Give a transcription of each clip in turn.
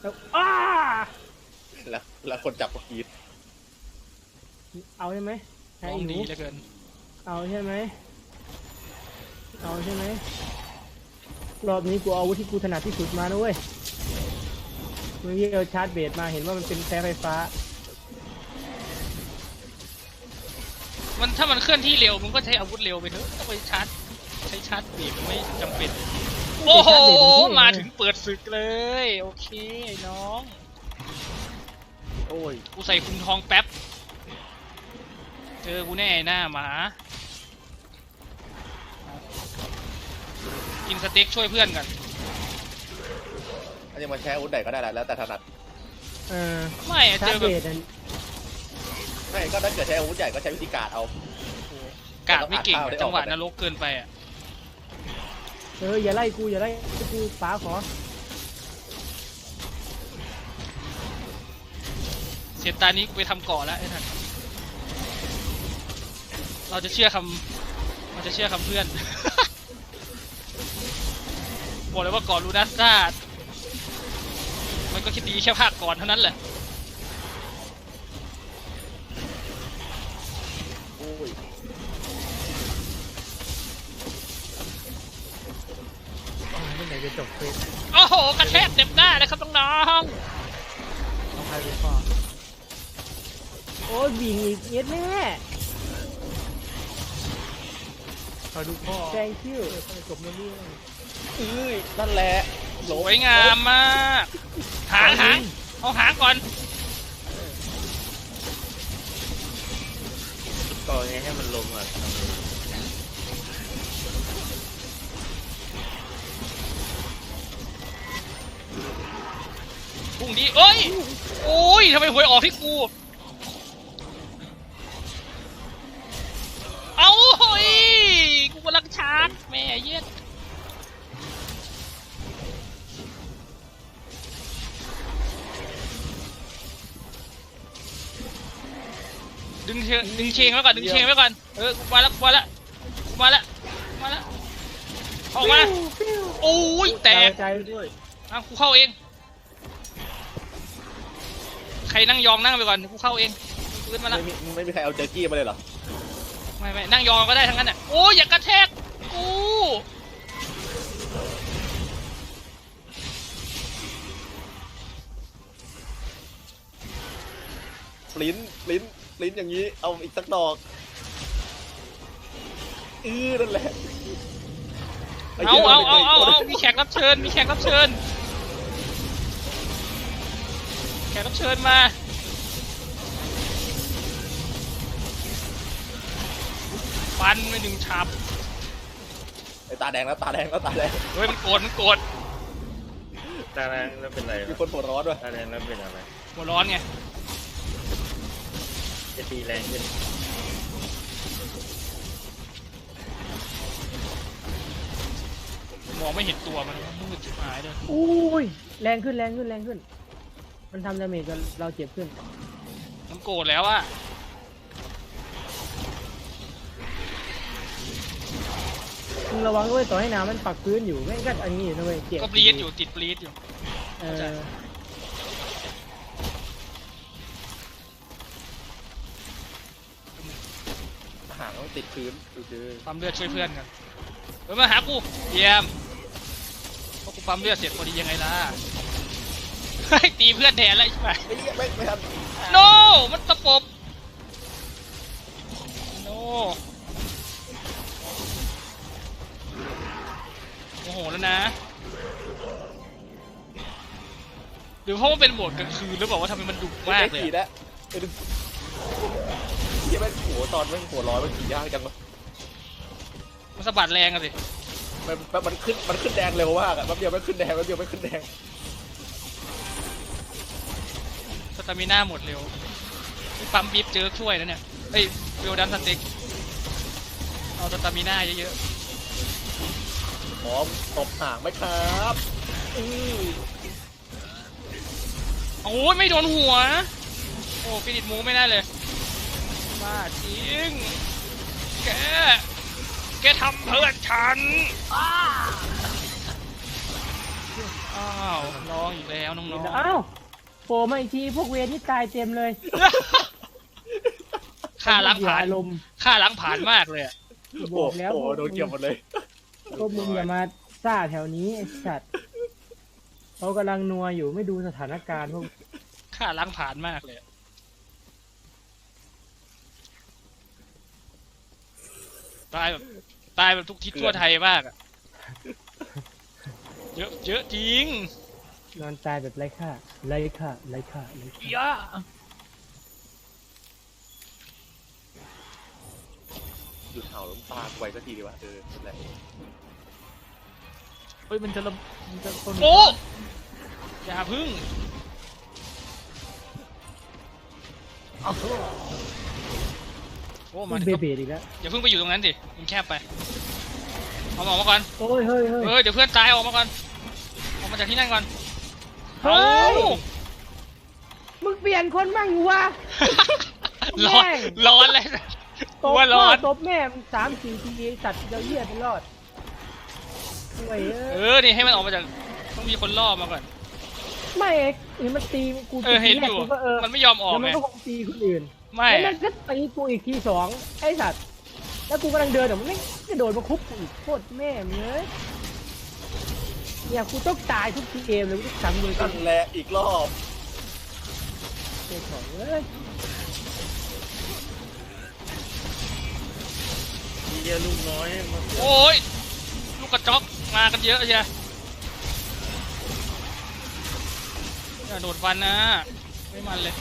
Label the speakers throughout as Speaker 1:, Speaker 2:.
Speaker 1: อ้า
Speaker 2: แล้วคนจับก็กรีด
Speaker 1: เอาใช่ไหม
Speaker 3: น้องดีเหลือเกิน
Speaker 1: เอาใช่ไหมรอบนี้กูเอาอาวุธที่กูถนัดที่สุดมานะเว้ยมึงเยี่ยวชาร์จเบสมาเห็นว่ามันเป็นแสงไฟฟ้า
Speaker 3: มันถ้ามันเคลื่อนที่เร็วมึงก็ใช้อาวุธเร็วไปเถอะต้องไปใช้ชาร์จเบรกไม่จำเป็นโอ้โหมาถึงเปิดศึกเลยโอเคไอ้น้อง
Speaker 2: โอ้ย
Speaker 3: กูใส่คุมทองแป๊บเจอกูแน่หน้าหมากินสเต็กช่วยเพื่อนกัน
Speaker 2: อันนี้มันใช้อาวุธใดก็ได้แล้วแต่ถนัด
Speaker 3: ไม่เจอแบบ
Speaker 2: ไม่ก็ถ้าเกิดใช้อาวุธใหญ่ก็ใช้วิธีการเอา
Speaker 3: กาดไม่เก่งจังหวะนรกเกินไปอ่ะ
Speaker 1: อย่าไล่กูป๋าขอ
Speaker 3: เสียตานี้กูไปทำเกาะแล้วไอ้ท่านเราจะเชื่อคำเพื่อนบอกเลยว่าก่อนลูนัสซาดมันก็คิดดีแค่ภาคก่อนเท่านั้นแหละ
Speaker 2: โอ้ย
Speaker 1: เมื่อไหร่จะจบเฟส
Speaker 3: โอ้โหกระแทกเต็มหน้าเลยครับน้อง
Speaker 1: ใครเป็นพ่อโอ้ยวิ่งอีกเย็ดแม่
Speaker 2: ขอดูพ่อ
Speaker 1: แซงคิวจบเรื่อง
Speaker 2: นั่นแหละ
Speaker 3: สวยงามมากหางเอาหางก่อน
Speaker 2: ก่อนไงให้มันลงอ่ะ
Speaker 3: พุ่งดีเอ้ยโอ้ยทำไมหวยออกที่กูเอาเฮ้ยกูกำลังชาร์จแม่เย็ดดึงเชงไว้ก่อนมาแล้วออกมาโอ้ยแตกกูเข้าเองใครนั่งยองนั่งไปก่อนกูเข้าเองขึ้นมาแล้ว
Speaker 2: ไม่มีใครเอาเจอร์กี้มาเลยเหรอ
Speaker 3: ไม่นั่งยองก็ได้ทั้งนั้นอ่ะโอ้ยอย่ากระแทกกู
Speaker 2: ลิ้นอย่างนี้เอาอีกสักดอกนั่นแหละ
Speaker 3: เอามีแขกรับเชิญมาฟันไม่ดึงฉับ
Speaker 2: ไอ้ตาแดงแล้ว
Speaker 3: เฮ้ยมันโกรธ
Speaker 2: ตาแดงแล้วเป็นไรมีคนหัวร้อนด้วย
Speaker 4: ตาแดงแล้วเป็นอะไร
Speaker 3: หัวร้อนไง
Speaker 4: จะตีแรงขึ้น
Speaker 3: มองไม่เห็นตัวมันมืดชิบหายเลย
Speaker 1: อุ้ยแรงขึ้นมันทำดาเมจจนเราเจ็บขึ้น
Speaker 3: มันโกรธแล้วอะ
Speaker 1: มึงระวังด้วยต่อให้น้ำมันปักพื้นอยู่แม่งก็อันนี้อยู่นะเว้ยเจ็บ
Speaker 3: ก็ปลีดอยู่ติดปลีดอยู่
Speaker 2: หางติดพื้น
Speaker 3: ปั๊มเลือดช่วยเพื่อนกันมาหากูเยี่ยมเพราะกูปั๊มเลือดเสร็จพอดียังไงล่ะตีเพื่อนแทนอะไรใช่ไหม
Speaker 2: ไม่ทัน
Speaker 3: โนมันตะปบโนโอ้โหแล้วนะหรือเพราะมันเป็นโหมดกลางคืนหรือเปล่าว่าทำไมมันดุมากเลย
Speaker 2: ที่แม่งหัวตอนแม่งหัวร้อนมันขี่ยากจังวะ
Speaker 3: มันสะบัดแรงอะสิ
Speaker 2: มันขึ้นแดงเร็วมากอะแป๊บเดียวไม่ขึ้นแดง
Speaker 3: สตามิน่าหมดเร็วปั๊มบีบเจอช่วยนะเนี่ยเฮ้ยเวลดันสเต็กเอาสตามิน่าเยอะ
Speaker 2: ๆพร้อมตบหางไหมครับ
Speaker 3: โอ้ยไม่โดนหัวโอ้ฟินิชมูไม่ได้เลยมาจริงแกทำเพื่อนฉันอ้าวร้องอีกแล้วน้องๆ
Speaker 1: อ้าวโผล่มาอีกทีพวกเวรนี่ตายเต็มเลย
Speaker 3: ค่าล้างผ่าน
Speaker 1: อารมณ์
Speaker 3: ค่าล้างผ่านมากเลยอะ
Speaker 1: บอกแล้ว
Speaker 2: โอ้โหโดนเกี่ยวหมดเลย
Speaker 1: พวกมึงอย่ามาซ่าแถวนี้ไอ้สัตว์เขากำลังนัวอยู่ไม่ดูสถานการณ์พวก
Speaker 3: ค่าล้างผ่านมากเลยอะตายแบบทุกทิศทั่วไทยมากอะเยอะจริง
Speaker 1: นอนตายแบบไร้ค่าไร้ค่าไร้ค่าไร้ค่า
Speaker 3: ย่า
Speaker 2: หยุดเห่าล้มตาไว้สักทีดีกว่านั่นแหละ
Speaker 1: เฮ้ยมันจะคน
Speaker 3: โอ้อย่าพึ่งโอ้มาถึง
Speaker 1: เบ
Speaker 3: ก็
Speaker 1: เบดอีกแล้ว
Speaker 3: อย่าเพิ่งไปอยู่ตรงนั้นสิมันแคบไปเอาออกมาก่อน
Speaker 1: โอ้ยเฮ้ยเฮ้ย
Speaker 3: เดี๋ยวเพื่อนตายออกมาก่อนออกมาจากที่นั่นก่อน
Speaker 1: เฮ้ย
Speaker 3: เอา
Speaker 1: มึงเปลี่ยนคนบ้างอยู่วะ
Speaker 3: ร้อน
Speaker 1: แม่ง
Speaker 3: ร้อนเลย
Speaker 1: ตบ
Speaker 3: ว่าร้อน
Speaker 1: ตบแม่มึง3-4 ทีไอ้สัตว์เดี๋ยวเหี้ยไปรอดห่วย
Speaker 3: นี่ให้มันออกมาจากต้องมีคนล่อมาก่อน
Speaker 1: ไม่เอกเห็นมันตีกู
Speaker 3: เห็นอยู่
Speaker 1: กูก็
Speaker 3: มันไม่ยอมออก
Speaker 1: แล้วมั
Speaker 3: ไง
Speaker 1: นก็คงตีคนอื่น
Speaker 3: ไม่
Speaker 1: แล้วมันก็ตีกูอีกที2ไอ้สัตว์แล้วกูกำลังเดินเดี๋ยวมันไม่กระโดดมาคุบกูอีกโคตรแม่มึงเลยเนี่ยกูต้องตายทุกทีเกมเลยกูต้องสั่งเลยกั
Speaker 2: นั่
Speaker 1: น
Speaker 2: นแหละอีกรอบ
Speaker 1: เจ้าของเลย
Speaker 2: เฮียลูกน้อยมา
Speaker 3: โอ้ยลูกกระจอกมากันเยอะใช่อย่าโดดฟันนะไม่มันเลย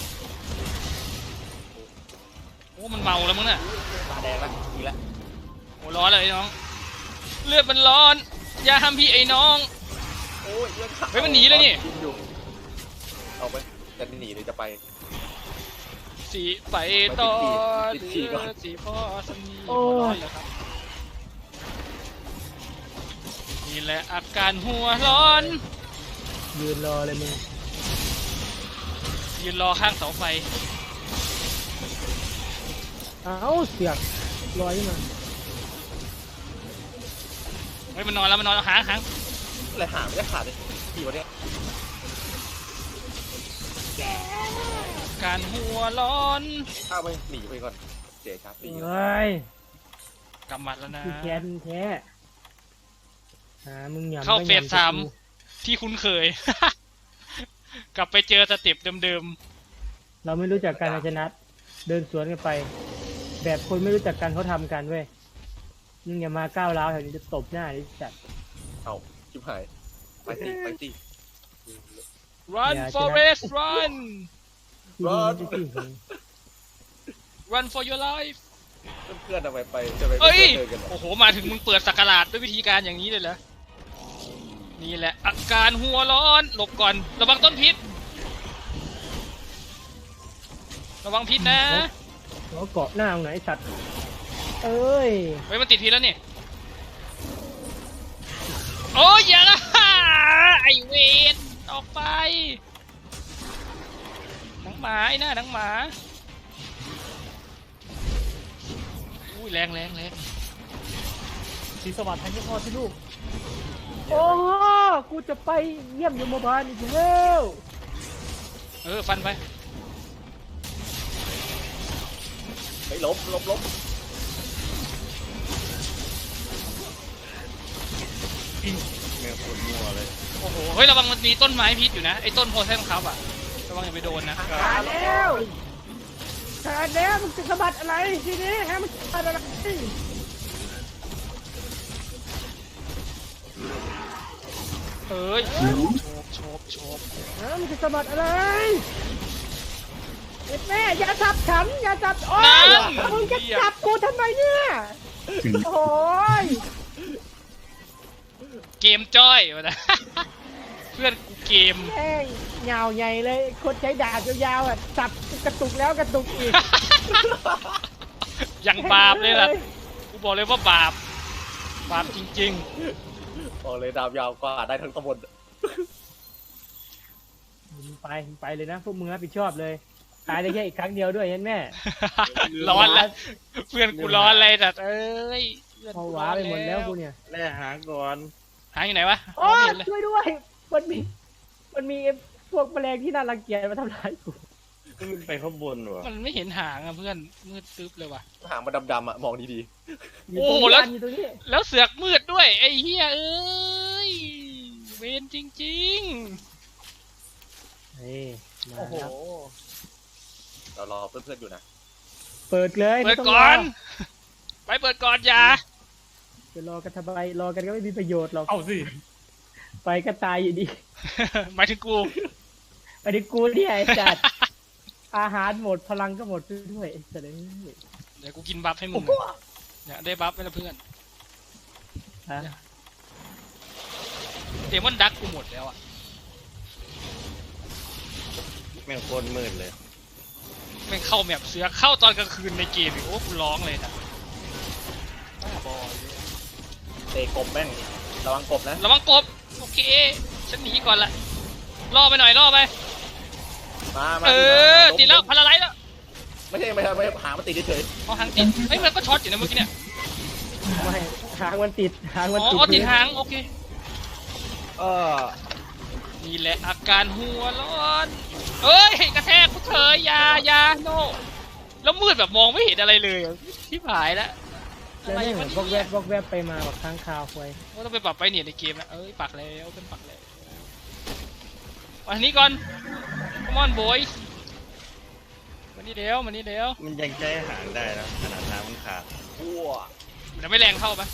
Speaker 3: โอ้มันเมาแล้วมึงน่ะ
Speaker 2: ตาแดงละอีกแล้ว
Speaker 3: โอ้ร้อนเลยไอ้น้องเลือดมันร้อนอย่าห้ามพี่ไอ้น้อง
Speaker 2: โอ้ยเรื่องขา
Speaker 3: เฮ้ยมันหนีเลยนี่
Speaker 2: กิอยู่เอาไปจะหนีหรือจะไป
Speaker 3: สีไปต่อ
Speaker 2: ติดฉี่ก่อน
Speaker 3: สีพ่อสนีร้อนแล้วครับนี่แหละอาการหัวร้อน
Speaker 1: ยืนรอเลยมึง
Speaker 3: ยืนรอข้างเสาไฟ
Speaker 1: เอ้าเสียกลอยมา
Speaker 3: เฮ้ยมันนอนแล้วมันนอนแล้วหาง
Speaker 2: อะไรหาไม่ได้ขาดเลยที่วันเนี้ย
Speaker 3: การหัวร้อน
Speaker 2: ข้าวไปหนีไปก่อนเสียชาร์จหนี
Speaker 1: เฮ้ย
Speaker 3: กำมัดแล้วนะ
Speaker 1: พี่แคนแท้มึงหยำ
Speaker 3: เข้า
Speaker 1: ก็
Speaker 3: เฟส
Speaker 1: หยำ
Speaker 3: สาม
Speaker 1: กู
Speaker 3: ที่คุ้นเคย กลับไปเจอสเต็ปเดิม
Speaker 1: เราไม่รู้จักการชนะเดินสวนกันไป แบบคนไม่รู้จักกันเขาทำกันเว้ยมึงอย่ามาก้าวร้าวแถวนี้จะตบหน้าดิจัด
Speaker 2: เอาชิบหายไปสิไปสิ
Speaker 3: ๆ run forest run
Speaker 1: ที่นี่ไม่ใช่ที่ของ
Speaker 3: run for your life
Speaker 2: เพื่อนๆทำไมไปจะไป
Speaker 3: เอ้ย
Speaker 2: เดินกันเหรอ
Speaker 3: โอ้โห มาถึงมึงเปิดสักราชด้วยวิธีการอย่างนี้เลยเหรอ นี่แหละ อาการหัวร้อน หลบก่อน ระวังต้นพิษ ระวังพิษนะ
Speaker 1: เขาเกาะหน้าตรงไหนสัตว์เอ้ย
Speaker 3: เฮ้ยมันติดพิษแล้วนี่ โอ้ยอย่าละ ไอเวนออกไปหนังหมาไอ้หน้าหนังหมาอุ้ยแรง
Speaker 1: สีสวัสดิ์ทันที่พ่อที่ลูกโอ้กูจะไปเยี่ยมยมบาลอีกแล้ว
Speaker 3: ฟันไป
Speaker 2: ไปลบ แมวปวดมัวเลย
Speaker 3: โอ้โห เฮ้ยระวังมันมีต้นไม้พิษอยู่นะ ไอ้ต้นโพไซของเขาอะระวังอย่าไปโดนนะ
Speaker 1: ขาดแล้วขาดแล้วมึงจะสะบัดอะไรทีนี้ฮะมันขาดอะไร
Speaker 3: เอ้ยโฉบ
Speaker 1: ฮะมึงจะสะบัดอะไรเอ็ดแม่อย่าจับฉันอย่าจับโอ้ยมึงจะจับกูทำไมเนี่ยโอ้ย
Speaker 3: เกมจ้อยวะนะ เพื่อนกูเกม
Speaker 1: แม่งยาวใหญ่เลยคนใช้ดาบยาวๆอ่ะจับกระตุกแล้วกระตุกอีก
Speaker 3: ยังบาปเลยล่ะ กูบอกเลยว่าบาป บาปจริง
Speaker 2: บอกเลยดาบยาวกว่าได้ทั้งตำบล
Speaker 1: มึงไปเลยนะพวกมึงรับผิดชอบเลยตายได้แค่อีกครั้งเดียวด้วยเห็นแม่
Speaker 3: ๆ ร้อนแล้ว เพื่อนกูร้อนเลยแต่เอ้ยพื่อน
Speaker 1: พอ
Speaker 3: กู
Speaker 1: ว้าไปหมดแล้วกูเนี่ย
Speaker 2: แล่หาก่อน
Speaker 3: หาอยู่ไหนวะ
Speaker 1: โอ้
Speaker 3: ไม่เห็นเลย
Speaker 1: ช่วยด้วยมันมีมันมีพวกแมลงที่น่ารังเกียจมาทำร้ายกู
Speaker 4: มันไปข้างบนวะ
Speaker 3: มันไม่เห็นหางอะเพื่อนมืดตึ๊บเลยว่ะ
Speaker 2: หางมันดำๆอ่ะมองดี
Speaker 1: อยู่
Speaker 3: โอ้
Speaker 1: ตรง
Speaker 3: โห
Speaker 1: นี้
Speaker 3: แล้ว
Speaker 1: อยู่ตรงนี้
Speaker 3: แล้วเสือกมืดด้วยไอ้เหี้ยเอ้ยเวรจริง
Speaker 1: เฮ้ย
Speaker 2: ๆ
Speaker 1: มา
Speaker 2: โอ้โห
Speaker 1: แล้ว
Speaker 2: เรารอเพื่อนๆอยู่นะ
Speaker 1: เปิดเลย
Speaker 3: ๆเปิด
Speaker 1: ไม่ต้ง
Speaker 3: ก่อน
Speaker 1: ร
Speaker 3: ไปเปิดก่อนอย่า
Speaker 1: จะรอกันทำไมรอกันก็ไม่มีประโยชน์หรอก
Speaker 2: เอาสิ
Speaker 1: ไปก็ตายอยู่ดี
Speaker 3: หมายถึงกู
Speaker 1: ไปดิกูเนี่ยไอ้จัด อาหารหมดพลังก็หมดด้วยไอ้สัตว์เอ้ย
Speaker 3: เดี๋ยวกูกินบัฟให้มึงเนี่ยได้บัฟไปแล้วเพื่อน
Speaker 1: ฮะ
Speaker 3: เดมอนดักกูหมดแล้วอะ
Speaker 4: แม่งโคตรมืดเลย
Speaker 3: แม่งเข้าแมปเสือเข้าตอนกลางคืนในเกมอีกโอ้กูร้องเลยนะบ้าบอ
Speaker 2: เตะกบแม่งระวังกบนะ
Speaker 3: ระวังกบโอเคฉันหนีก่อนละล่อไปหน่อยล่อไป
Speaker 2: มา
Speaker 3: ติดแล้วพาราไลท์แล้ว
Speaker 2: ไม่ใช่หางมันติดเฉย
Speaker 3: เอาหางติดเฮ้ยมันก็ช็อตอยู่นะเมื่อกี้เนี่ย
Speaker 1: ไม่หางมันติดหาง
Speaker 3: อ๋
Speaker 1: มันติด
Speaker 3: อติดหางโอเค
Speaker 4: ๆ
Speaker 3: นี่แหละอาการหัวร้อนเอ้ยกระแทกกูเถอะอยาโนแล้วมืดแบบมองไม่เห็นอะไรเลยที่ผายแล้ว
Speaker 1: แล้วนี่เหมือนบอกแวบไปมาแบบค้างคาวควย
Speaker 3: ว่าต้องไปปรับไปเนี่ยในเกมนะเอ้ยปักแล้วเป็นปักแล้ววันนี้ก่อน Come on boys มานี่เดี๋ยว
Speaker 4: มันยังใช้หางได้นะขนาดน้ำมันขาด
Speaker 2: ๆอ้ว
Speaker 3: แต่ไม่แรงเท่าปะ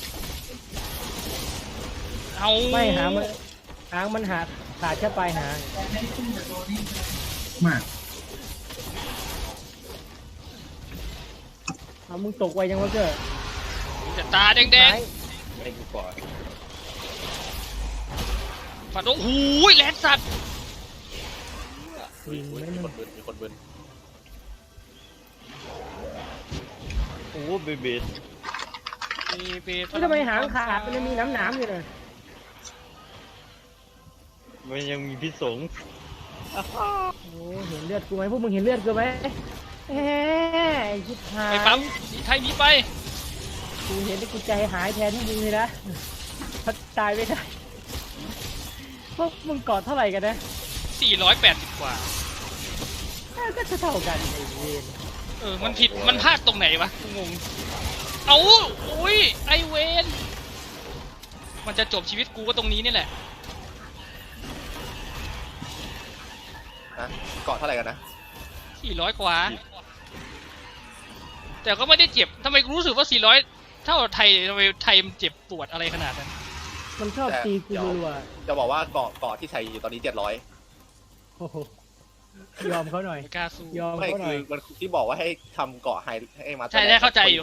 Speaker 3: เอา
Speaker 1: ไม่หางมันขาดแค่ปลายหาง
Speaker 5: มาก
Speaker 1: เอามึงตกไวยังวะเจ้อ
Speaker 3: แต่ตาแดง
Speaker 4: ไม่กูก่อน
Speaker 3: ๆฝันโอ้โหแลนสัตว์
Speaker 1: ลิง
Speaker 2: มี
Speaker 1: ไม่
Speaker 2: ค
Speaker 1: มัน
Speaker 2: นบึนมีคนบึน
Speaker 4: โอ้เบเบด
Speaker 3: เบส
Speaker 1: ทำไมหางขาดมันยังมีน้ำอยู่เลย
Speaker 4: มันยังมีพิษสง
Speaker 1: โอ้เห็นเลือดกูไหมพวกมึงเห็นเลือดกูไหมแหมไอ้ชิบหาย
Speaker 3: ไปปั๊มสีไทยหนีไป
Speaker 1: กูเห็นแล้วกูใจหายแทนที่มึงเลยนะถ้าตายไม่ได้พวกมึงกอดเท่าไหร่กันนะ
Speaker 3: 480 กว่า
Speaker 1: ก็เท่ากันไอ้เวน
Speaker 3: มันผิดมันพลาดตรงไหนวะกูงงเอาอุ้ยไอเวนมันจะจบชีวิตกูก็ตรงนี้นี่แหละ
Speaker 2: นะเกาะเท่าไหร่กันนะ
Speaker 3: 400 กว่า แต่ก็ไม่ได้เจ็บทำไมกูรู้สึกว่า 400 เท่าไทยทำไมไทยมันเจ็บปวดอะไรขนาดนั้น
Speaker 1: มันชอบตีกูรัว
Speaker 2: จะบอกว่าเกาะที่ใช้อยู่ตอนนี้700
Speaker 1: ๆโอ้โหยอมเขาหน่อย
Speaker 3: ไม่กล้าสู้
Speaker 1: ยอม
Speaker 2: ไม่
Speaker 1: เขาหน่
Speaker 2: คือ อยมันที่บอกว่าให้ทำเกาะให้มา
Speaker 3: ใช่เข้าใจอยู่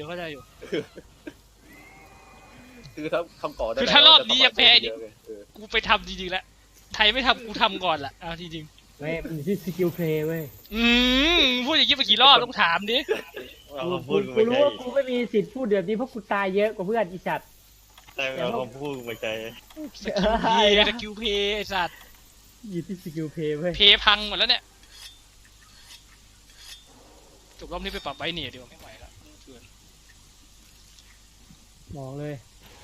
Speaker 2: คือถ้าทำเกาะได้
Speaker 3: คือถ้ารอบนี้ยังแพ้
Speaker 2: เยอะเลย
Speaker 3: กูไปทำจริงๆแล้วไทยไม่ทำกูทำก่อนละเอาจริง
Speaker 1: ไม่มันอยู่ที่สกิลเพลย์เว้ย
Speaker 3: พูดอย่างนี้ไปกี่รอบต้องถามดิ
Speaker 4: เอาคำพู
Speaker 1: กู
Speaker 4: ด
Speaker 1: กู
Speaker 4: ไม่
Speaker 1: รู้
Speaker 4: ใช่
Speaker 1: ว่ากูไม่มีสิทธิ์พูดแบบนี้เพราะกูตายเยอะกว่าเพื่อนอีสัตว์
Speaker 4: แต่เอาคำพูดไม่ใช่
Speaker 3: สกิลเพย์ไอสัตว์
Speaker 1: อยู่ที่สกิลเพลย์เว้ย
Speaker 3: เพย์พังหมดแล้วเนี่ยจบรอบนี้ไปปรับไบเนียดีกว่าไม่ไหวแล้วเกิน
Speaker 1: บอกเลย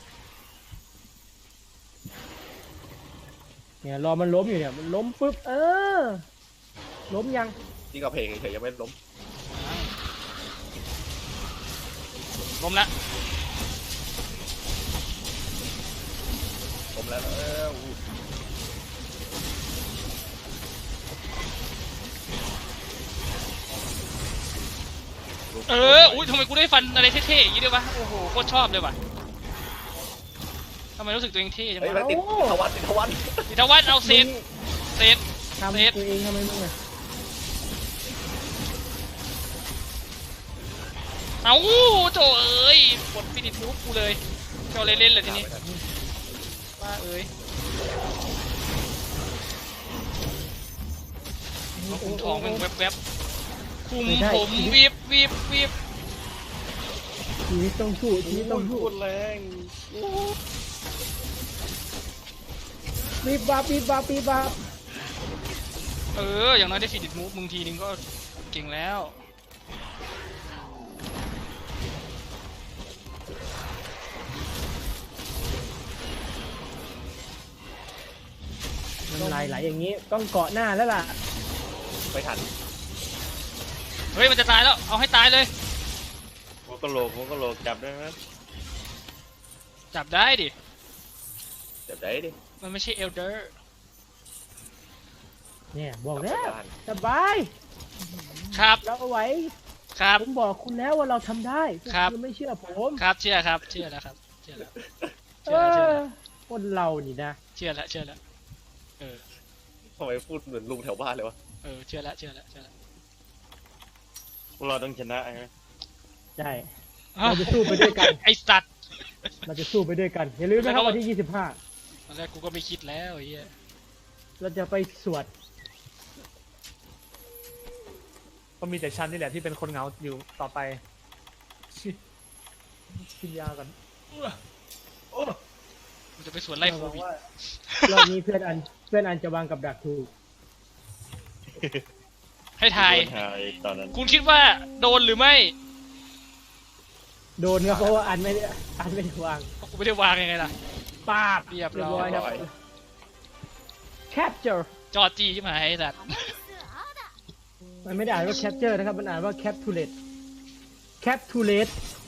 Speaker 1: เนี่ยรอมันล้มอยู่เนี่ยมันล้มปุ๊บล้มยัง
Speaker 2: ที่กระเพงเฉยๆยังไม่ล้ม
Speaker 3: ล้มละ
Speaker 2: ล้มแล้ว
Speaker 3: อุ้ยทำไมกูได้ฟันอะไรเท่ๆอย่างนี้ด้วยวะโอ้โหโคตรชอบเลยว่ะทำไมรู้สึกตัวเองเท่จัง
Speaker 2: เฮ้ยว
Speaker 3: ะ
Speaker 2: ติดทวัน
Speaker 3: อิทวัฒน์เอาเซต
Speaker 1: ทำตัวเองทำไมมึงอะ
Speaker 3: เอาโจเอ้ยกดฟินิชมูฟกูเลยเจ้าเล่นๆเลยทีนี้ว่าเอ้ยคุมทองเป็นแวบๆคุมผมวิบ
Speaker 1: ชีวิตต้องสู้ชีวิตต้องสู้
Speaker 4: พูดแรง
Speaker 1: ปีบบับปีบบับปีบบับ
Speaker 3: อย่างน้อยได้ฟินิชมูฟมึงทีนึงก็เก่งแล้ว
Speaker 1: น้ำลายไหลอย่างนี้ต้องเกาะหน้าแล้วล่ะ
Speaker 2: ไม่ทัน
Speaker 3: เฮ้ยมันจะตายแล้วเอาให้ตายเลย
Speaker 4: หัวกะโหลกจับได้ไหม
Speaker 3: จับได้ดิ
Speaker 2: เดี๋ยวได้ดิ
Speaker 3: มันไม่ใช่เอลเดอร์
Speaker 1: เนี่ยบอกแล้ว
Speaker 2: กลับไปบ้าน
Speaker 1: สบาย
Speaker 3: ครับ
Speaker 1: เราเอาไว้
Speaker 3: ครับ
Speaker 1: ผมบอกคุณแล้วว่าเราทำได้พวก
Speaker 3: ครับ
Speaker 1: คุณไม่เชื่อผม
Speaker 3: ครับเชื่อครับเชื่อแล้วครับเชื่อแล้ว
Speaker 1: เอ
Speaker 3: เชื่อแล้ว
Speaker 1: อคนเรานี่นะ
Speaker 3: เชื่อแล้วเชื่อแล้วเออ
Speaker 2: ทำไมพูดเหมือนลุงแถวบ้านเลยวะ
Speaker 3: เออเชื่อแล้วเชื่อแล้วเชื่อแล้ว
Speaker 4: พวกเราต้องชนะใช่ไหม
Speaker 1: ใช่เราจะสู้ไปด้วยกัน
Speaker 3: ไอสัตว์
Speaker 1: เราจะสู้ไปด้วยกันอย่าลืมนะครับวันที่
Speaker 3: ตอนแรกกูก็ไม่คิดแล้วไอ้เหี้ย
Speaker 1: 25 เราจะไปสวด
Speaker 5: ก็มีแต่ฉันนี่แหละที่เป็นคนเหงาอยู่ต่อไปชิกินยากัน
Speaker 3: มันจะไปสวนไล่โค
Speaker 1: หวัง
Speaker 3: วิด
Speaker 1: ว่ารอบนี้เพื่อนอันจะวางกับดักถูก
Speaker 3: ให้ทาย
Speaker 4: โดนหายตอนนั้น
Speaker 3: คุณคิดว่าโดนหรือไม่
Speaker 1: โดนครับเพราะว่าอันไม่ได้วาง
Speaker 3: เพราะกูไม่ได้วางยังไงล่ะ
Speaker 1: ปาบ
Speaker 3: เรียบร้อย
Speaker 1: ครับ capture
Speaker 3: จอจีใช่ไหมไอ้สัตว์
Speaker 1: มันไม่ได้อ่านว่า capture นะครับมันอ่านว่า capturate capturate